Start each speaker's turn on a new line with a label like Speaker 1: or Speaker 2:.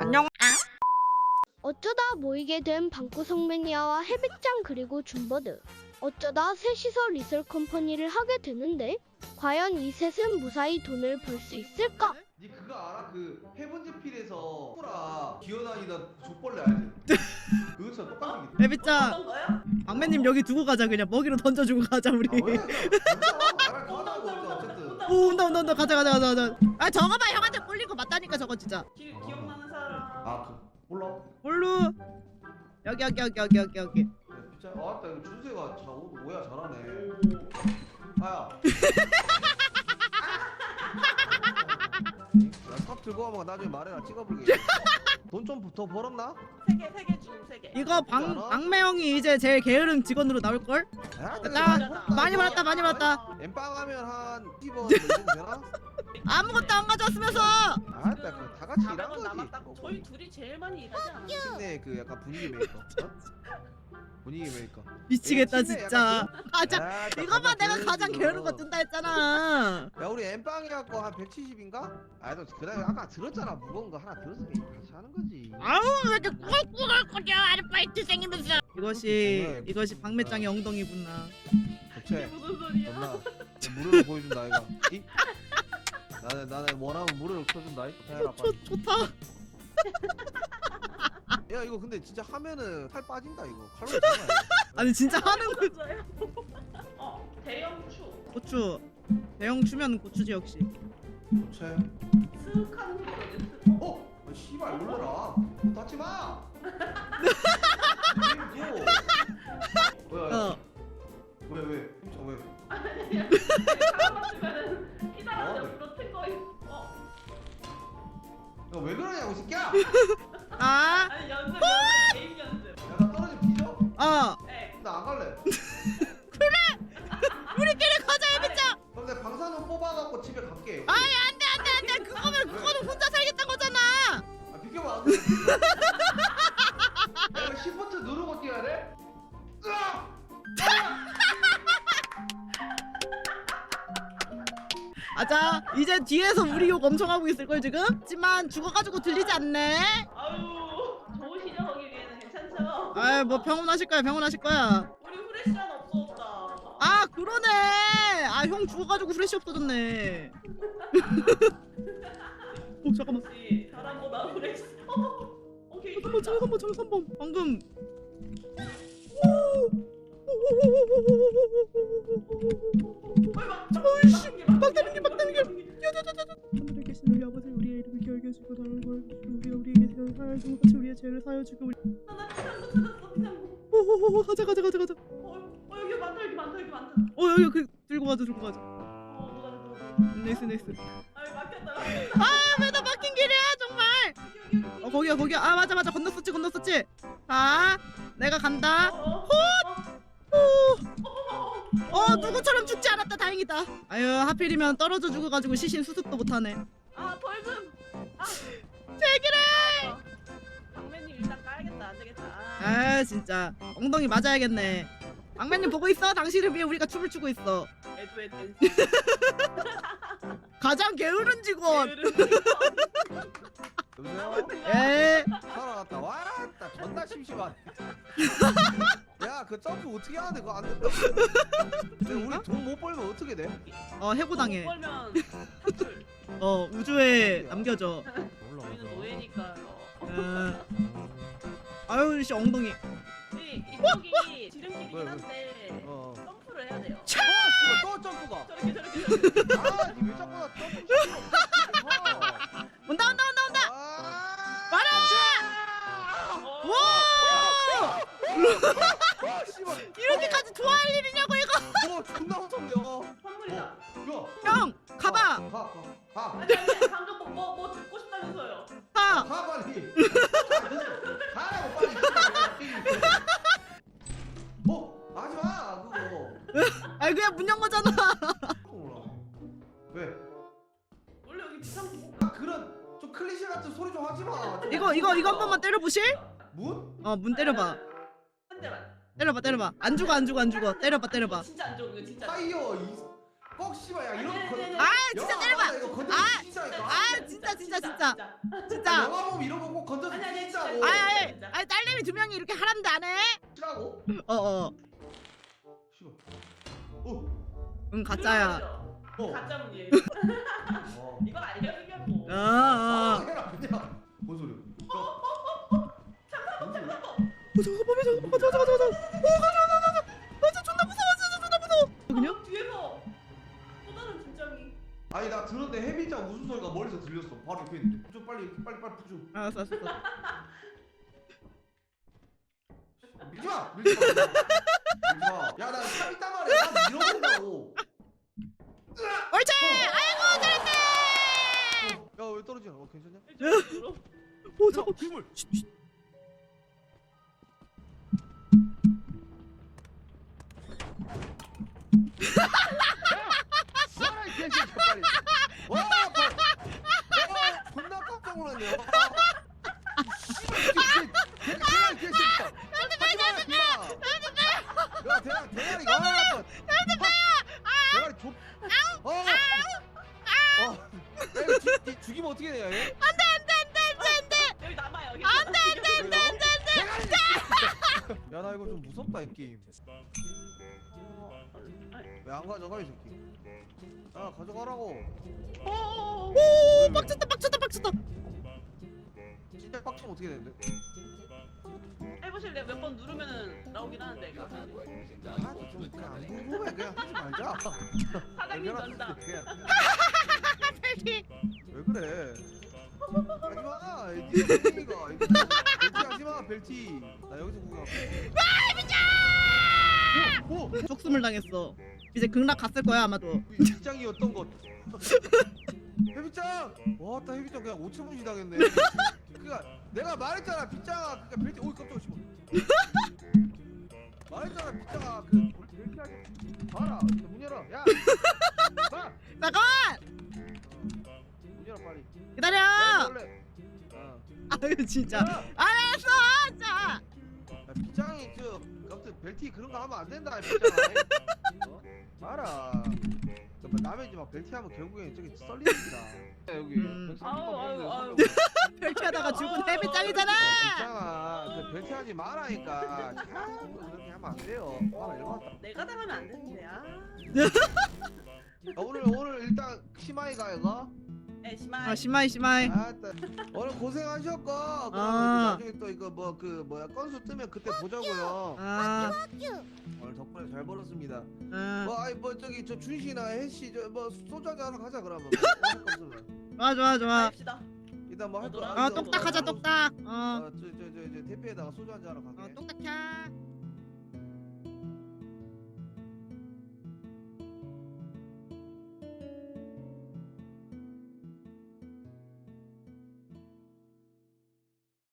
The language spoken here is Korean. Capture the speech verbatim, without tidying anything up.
Speaker 1: 안녕.
Speaker 2: 어쩌다 모이게 된 방구석 매니아와 해백장 그리고 줌버드. 어쩌다 셋이서 리설 컴퍼니를 하게 되는데 과연 이 셋은 무사히 돈을 벌 수 있을까?
Speaker 3: 니 그거 알아? 그 해븐제필에서 소라 기어다니던 족벌레 알지? 그것처럼 똑같은 게
Speaker 1: 에비짱, 막매님 여기 두고 가자. 그냥 먹이로 던져주고 가자 우리.
Speaker 3: 아 왜? 나랑 가자고 어쨌든
Speaker 1: 오 온다 온다 온다. 가자 가자 가자 가자. 아 저거 봐, 형한테 꼴린 거 맞다니까 저거 진짜.
Speaker 4: 기, 기억나는 사람.
Speaker 3: 아그 몰라
Speaker 1: 볼루. 여기 여기 여기 여기 여기 여기.
Speaker 3: 진짜 아따 이거 준세가 자 오늘 뭐야 잘하네 아야 나삽 들고 가면 나중에 말해라 찍어볼게 돈 좀 더 벌었나?
Speaker 4: 세개 세 개 줌 세 개.
Speaker 1: 이거 방 막매 형이 이제 제일 게으른 직원으로 나올 걸.
Speaker 3: 야,
Speaker 1: 나 많이 벌었다 많이 벌었다.
Speaker 3: 엠빵 하면 한 이십 원 정도 되나?
Speaker 1: 아무것도 안 가져왔으면서.
Speaker 3: 아따 그 다 같이 일한
Speaker 4: 사백원
Speaker 3: 거지
Speaker 4: 남았다. 저희 둘이 제일 많이 일하지 않아?
Speaker 3: 팀내 그 약간 분위기 메이커 어? 분위기 메이커
Speaker 1: 미치겠다
Speaker 3: 팀내
Speaker 1: 진짜.
Speaker 3: 약간
Speaker 1: 가자.
Speaker 3: 야, 나
Speaker 1: 이거 봐,
Speaker 3: 가자,
Speaker 1: 내가 가장
Speaker 3: 게으르지,
Speaker 1: 게으른 거
Speaker 3: 너.
Speaker 1: 뜬다 했잖아.
Speaker 3: 야 우리 엠빵이 갖고 한 백칠십인가? 아너 그다음에 아까 들었잖아 무거운 거 하나 들었으니 같이 하는 거지
Speaker 1: 아우 왜 이렇게 꿀꿀거려 아르바이트생이면서. 이것이
Speaker 3: 정말.
Speaker 1: 이것이 박매장의 엉덩이구나.
Speaker 4: 이게
Speaker 3: 그치?
Speaker 4: 무슨 소리야?
Speaker 3: 존나 무료로 보여준다 아이가 이? 나는 나는 원하면 무료로 켜준다 이? 해라
Speaker 1: 좋
Speaker 3: 빨리
Speaker 1: 좋다.
Speaker 3: 야 이거 근데 진짜 하면은 살 빠진다 이거 칼로리 장난
Speaker 1: 아니 진짜 하는 거.
Speaker 4: 맞아요. 어 대형 추.
Speaker 1: 고추. 대형 추면 고추지 역시.
Speaker 3: 그치?
Speaker 4: 스카는 거거든.
Speaker 3: 어? 아, 씨발 놀라라 닫지 마! 무서워 뭐야
Speaker 1: 어.
Speaker 3: 왜 왜? 진짜 왜?
Speaker 4: 사람 맞으면은 이 사람
Speaker 3: 어,
Speaker 4: 옆으로 튼거 있어.
Speaker 3: 야 왜 그러냐고 이 새끼야!
Speaker 1: 아.
Speaker 4: 아니 연습 연습 게임 연습.
Speaker 3: 야 나 떨어지면 뒤져?
Speaker 1: 어.
Speaker 4: 네.
Speaker 3: 나 안 갈래
Speaker 1: 우리끼리 가자 에비짱.
Speaker 3: 그럼 내가 방사능 뽑아갖고 집에 갈게
Speaker 1: 아니 안돼 안돼 안돼. 그거면 그거는 혼자 살겠다는 거잖아.
Speaker 3: 아 비켜봐 내가 시프트 누르고 뛰어야 돼? 으악!
Speaker 1: 아자 이제 뒤에서 우리 욕 엄청 하고 있을 걸 지금. 하지만 죽어가지고 들리지 않네.
Speaker 4: 아유 좋으시죠 거기 위에는 괜찮죠?
Speaker 1: 아이 뭐 병원 하실 거야 병원 하실 거야.
Speaker 4: 우리 후레쉬는 없어졌다.
Speaker 1: 아 그러네. 아 형 죽어가지고 후레쉬 없어졌네. 오 잠깐만.
Speaker 4: 혹시 사람보다 후레쉬. 오케이.
Speaker 1: 잠깐만 잠깐만 잠깐만 방금. 어이씨 막다른게 막다른게. 하늘에 계신 우리 아버지 우리의 이름을 기억해 주시고 나를 구하시고 우리가 우리에게 사하여 주고 같이 우리의 죄를 사하여 주고 우리.
Speaker 4: 나 피상구 찾았어 피상구.
Speaker 1: 오오오 가자 가자 가자 가자.
Speaker 4: 어, 어 여기 많다 여기 많다 여기 많다.
Speaker 1: 어 여기 그 들고 가자 들고 가자.
Speaker 4: 어 누가 누가.
Speaker 1: 네이스 네이스.
Speaker 4: 아유 막혔다.
Speaker 1: 아왜 나 막힌 길이야 정말.
Speaker 4: 여기 여기 여기.
Speaker 1: 어 거기야 거기야. 아 맞아 맞아 건넜었지 건넜었지. 자 내가 간다.
Speaker 4: 어.
Speaker 1: 어 누구처럼 죽지 않았다 다행이다. 아유 하필이면 떨어져 죽어가지고 시신 수습도 못하네.
Speaker 4: 아 벌금. 아.
Speaker 1: 제기래.
Speaker 4: 강매님 일단 까야겠다 안 되겠다.
Speaker 1: 아 진짜 엉덩이 맞아야겠네. 막매님 보고 있어? 당신을 위해 우리가 춤을 추고 있어.
Speaker 4: 애도 댄스.
Speaker 1: 가장 게으른 직원.
Speaker 3: 여보세요?
Speaker 1: 에.
Speaker 3: 살아났다 와라 존나 심심하네 야 그 점프 어떻게 하는데 그거 안 된다 근데 우리 돈 못 벌면 어떻게 돼?
Speaker 1: 어 해고당해.
Speaker 4: 못 벌면 탈출.
Speaker 1: 어 우주에 남겨져.
Speaker 4: 저희는 노예니까요.
Speaker 1: 어. 아유 씨 엉덩이.
Speaker 4: 이 이쪽이 지름길이긴 한데
Speaker 3: 어
Speaker 4: 점프를 해야 돼요.
Speaker 3: 어, 씨발 또 점프가
Speaker 4: 저렇게 저렇게 저렇게.
Speaker 3: 아, 니 왜 자꾸 나 점프 시켜?
Speaker 1: 온다 온다 온다 온다.
Speaker 3: 아,
Speaker 1: 와라.
Speaker 4: 어.
Speaker 1: 와.
Speaker 3: 아, 씨발.
Speaker 1: 이렇게까지 좋아할 일이냐고 이거.
Speaker 3: 어, 존나 무섭냐?
Speaker 4: 선물이다.
Speaker 3: 야,
Speaker 1: 형 가봐.
Speaker 3: 가, 가, 가,
Speaker 4: 아니 아니 방금 뭐, 뭐, 뭐 듣고 싶다면서요.
Speaker 1: 가.
Speaker 3: 가 빨리. 가라고 빨리. 어, 하지 마, 그거.
Speaker 1: 아이 그냥 문 연 거잖아.
Speaker 3: 몰라. 왜?
Speaker 4: 원래 여기 비상구 못
Speaker 3: 아, 그런 좀 클리셰 같은 소리 좀 하지 마. 좀.
Speaker 1: 이거 이거 이거 한 번만 때려 보실?
Speaker 3: 문?
Speaker 1: 어 문 때려봐.
Speaker 4: 한 대만.
Speaker 1: 때려봐 때려봐. 안 죽어 안 죽어 안 죽어. 때려봐 때려봐.
Speaker 4: 진짜 안 좋은 거 진짜.
Speaker 3: 타이어 이. 꼭 씨발 야 이런
Speaker 4: 아니,
Speaker 3: 거.
Speaker 4: 아니, 아니,
Speaker 1: 아
Speaker 4: 아니.
Speaker 1: 진짜
Speaker 3: 영화
Speaker 1: 때려봐.
Speaker 3: 봐라, 이거 건드리면
Speaker 1: 아,
Speaker 3: 진짜니까.
Speaker 1: 아 진짜 진짜 진짜.
Speaker 3: 야,
Speaker 1: 진짜.
Speaker 3: 영화 보면 이런 거 꼭 건져서
Speaker 4: 아니 아니 진짜.
Speaker 3: 뛰자고.
Speaker 1: 아니 아니
Speaker 4: 진짜.
Speaker 1: 아니 딸내미 두 명이 이렇게 하라는데 안 해?
Speaker 3: 뛰라고?
Speaker 1: 어어
Speaker 3: 씨발. 어.
Speaker 1: 응 가짜야
Speaker 3: 어.
Speaker 4: 가짜 문이에요.
Speaker 3: 어.
Speaker 4: 이건 알려주려고.
Speaker 1: 어어
Speaker 3: 해라 그냥. 뭔 소리야?
Speaker 4: 잠깐만 잠깐만.
Speaker 1: 어, 잠깐만 잠깐만 가자 가자 가자 어 가자 가자 가자 가자 존나 무서워 진짜 존나 무서워 그냥?
Speaker 4: 어, 뒤에서 또 다른 진정이.
Speaker 3: 아니 나 들었는데 해비장 웃음소리가 멀리서 들렸어. 바로 옆에 있는데. 좀 빨리 빨리 빨리 푸줘.
Speaker 1: 알았어 알았어
Speaker 3: 밀지마! 밀지마! 밀지마! 야나 삽 있단 말이야. 삽 밀어버린다고.
Speaker 1: 옳지 아이고 잘했네
Speaker 3: 야 왜 떨어지냐? 어 괜찮냐?
Speaker 4: 이쪽으로.
Speaker 1: 오 잠깐
Speaker 3: 괴물!
Speaker 1: 쉿, 쉿.
Speaker 3: 쏴라 이 개새끼 빨리. 와! 봐. 와! 존나 깜짝 놀랐네. 와. 씨발 이 개새끼. 이 개새끼야. 하지마 임마. 야 대가 대가리 와 한번. 대가리 좁. 어. 어. 야 이거 죽- 죽- 죽이면 어떻게 돼요 얘?
Speaker 4: 여기 남아요. 여기.
Speaker 3: 안돼 안돼 안돼 안돼. 야나 이거 좀 무섭다 이 게임. 왜 안 가져가 이 새끼? 야 가져가라고.
Speaker 1: 오 빡쳤다 빡쳤다 빡쳤다
Speaker 3: 진짜 빡치면 어떻게 되는데?
Speaker 4: 해보실래요? 몇 번 누르면은 나오긴 하는데 이거.
Speaker 3: 아좀 그냥 안 궁금해 그냥 하지 말자.
Speaker 4: 사장님 전다.
Speaker 3: 그냥
Speaker 1: 벨티
Speaker 3: 왜 그래? 하지마 벨티가 벨티 하지마 벨티. 나 여기서 구경. 아 미쳐! 오! 오!
Speaker 1: 쪽숨을 당했어 이제 극락 갔을 거야 아마도
Speaker 3: 빗장이었던 것. 해빗장! 와따 해빗장 그냥 오천무시 당했네. 그니까 내가 말했잖아 빗장아 그니까 벨티 오이 깜짝이야 씨발. 말했잖아 빗장아 그 벨티 하지 봐라 문 열어 야 봐!
Speaker 1: 잠깐만
Speaker 3: 문 열어 빨리.
Speaker 1: 기다려
Speaker 3: 야, 원래. 어.
Speaker 1: 아유 진짜
Speaker 3: 야!
Speaker 1: 알았어 진짜
Speaker 3: 야, 빗장이 저 아무튼 벨티 그런 거 하면 안 된다 빗장아. 어? 알아. 그러니까 남의 집 막 벨티 하면 결국엔 저기 썰리는기다. 여기.
Speaker 1: 음.
Speaker 4: 아유, 아유, 아유.
Speaker 1: 벨티 하다가 죽은 해비짱이잖아
Speaker 3: 빗장아 그 벨티 하지 말라니까. 자꾸 그렇게 하면 안 돼요. 아 일로 왔다.
Speaker 4: 내가 당하면 안 되는데 아.
Speaker 3: 아, 오늘 오늘 일단 심하이가 이거.
Speaker 4: 에 심한.
Speaker 1: 아 심하이 심하이
Speaker 3: 아따 오늘 고생하셨고 그럼
Speaker 1: 아.
Speaker 3: 나중에 또 이거 뭐 그 뭐야 건수 뜨면 그때 보자고요.
Speaker 1: 아,
Speaker 3: 오늘 덕분에 잘 벌었습니다.
Speaker 1: 아
Speaker 3: 뭐 아이 뭐 저기 저 준씨나 혜씨 저 뭐 소주 한잔 하러 가자 그러면. 뭐 할 거 없으면.
Speaker 1: 좋아 좋아 좋아
Speaker 4: 합시다.
Speaker 3: 일단 뭐 할 거.
Speaker 4: 아,
Speaker 1: 아 똑딱하자 똑딱 어
Speaker 3: 어저저저 저 대패에다가 소주 한잔 하러
Speaker 1: 어,
Speaker 3: 가게.
Speaker 1: 똑딱해